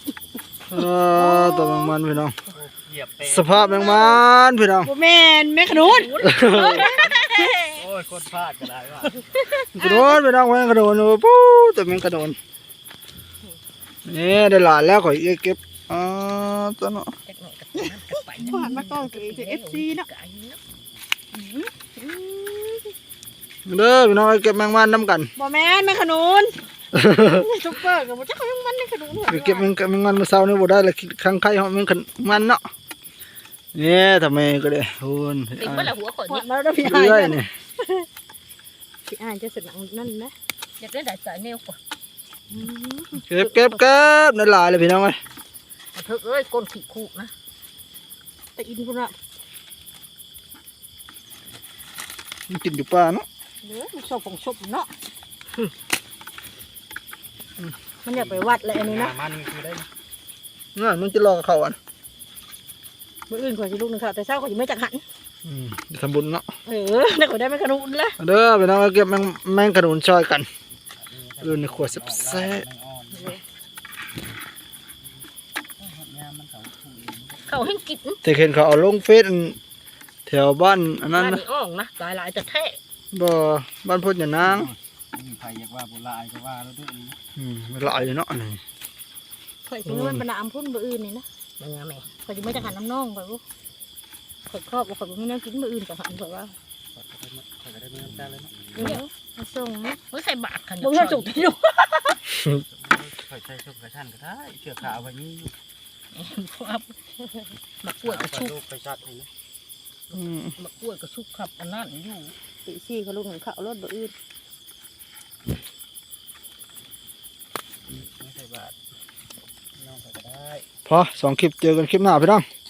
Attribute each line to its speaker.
Speaker 1: ตัวแมงมันพี่น้องสภาพแมงมันพี่น้อง
Speaker 2: แม่นแม่ขนุน
Speaker 3: โอ้ยคนพลาดก็ได้ว่ะ
Speaker 1: กระโดดพี่น้องแมงกระโดดปู๊ตัวแมงกระโดดนี่ได้หลานแล้วข่อยเก็บตัวเนาะ
Speaker 2: ผ่านมาก่อนคือ FC เนาะ
Speaker 1: เด้อพี่น้องเก็บแมงมันน้ำกัน
Speaker 2: บ่แม่นแม่ขนุนซุปเปอร์กับบ่จักแม่งมันแม่ขนุน
Speaker 1: เก็บแมงมันมาเช้านี่บ่ได้เลยข้างไข่เฮาแมงมันเนาะนี่ทำไมก็ได้คุณ
Speaker 4: ติดเมื่อไรหัวขนนี่
Speaker 2: มาแล้วพี่อ้ายนี่พี่อ้ายจะสนังนั่นนะ
Speaker 4: อยากได้ได้สายเนวก่อน
Speaker 1: เก็บนั่นหลายเลยพี่น้องเอ้ย
Speaker 4: เธอเอ้ยก้นขี้คู่นะ
Speaker 2: แต่อินพุ่นน่ะ
Speaker 1: มันกินอยู่ป่าเนาะ
Speaker 2: เด้อมันชอบของชอบเนาะมันอยากไปวัดเลยอันนี้นะ
Speaker 3: มันคือได้
Speaker 1: น่ะมึงจะรอเขาอ่ะ
Speaker 2: มื้ออื่นข่อยสิลูกนึงค่ะแต่เช้าข่อยสิไม่จักหัน
Speaker 1: ทำบุญเนาะ
Speaker 2: ได้ข่อยได้แม่ขนุนละ
Speaker 1: เด้อพี่น้องเก็บแมงขนุนช่อยกันรุ่นในขวดแซ่บ
Speaker 4: เขาให้กิน
Speaker 1: แต่เห็นเขาเอาลงเฟซแถวบ้านอันนั้นนะ
Speaker 4: อ่องนะหลายจะแท้
Speaker 1: บ่บ้านพุทธอย่านาง
Speaker 3: มีใครอยากว่าโบราณก็ว่าแล้วด้วย
Speaker 1: มันหลายเนาะนี่
Speaker 2: ข่อยสิมันเป็นน้ำพุ่นมื้ออื่นนี่นะ
Speaker 4: มันยังไง
Speaker 2: ข่อยสิไม่จักหันน้ำน่องข่อยบ่ข่อยครอบบ่ข่อยบ่มีแนวกินมื้ออื่นก็หันข่อยว่า
Speaker 3: ข่อยก็ได้เงินได้เลยเนาะ
Speaker 2: มาส่งนะ
Speaker 4: ไม่ใส่บาทขัน
Speaker 2: บ่มีส่งที่อยู่
Speaker 3: ข่อยใช้ชุบกระชันก็ได้เชือกขาวไว้นี่
Speaker 4: มะกล้วยกระชุบ
Speaker 3: ไปชัดให้นะ
Speaker 4: มะกล้วยกระชุบขับอันนั้นอยู่
Speaker 2: ตีซี่เขาลูกหนึ่งเขารถบ่อื่น
Speaker 3: ไม่ใส่บาทน้องก็ได้
Speaker 1: พอ2 คลิปเจอกันคลิปหน้าพี่น้อง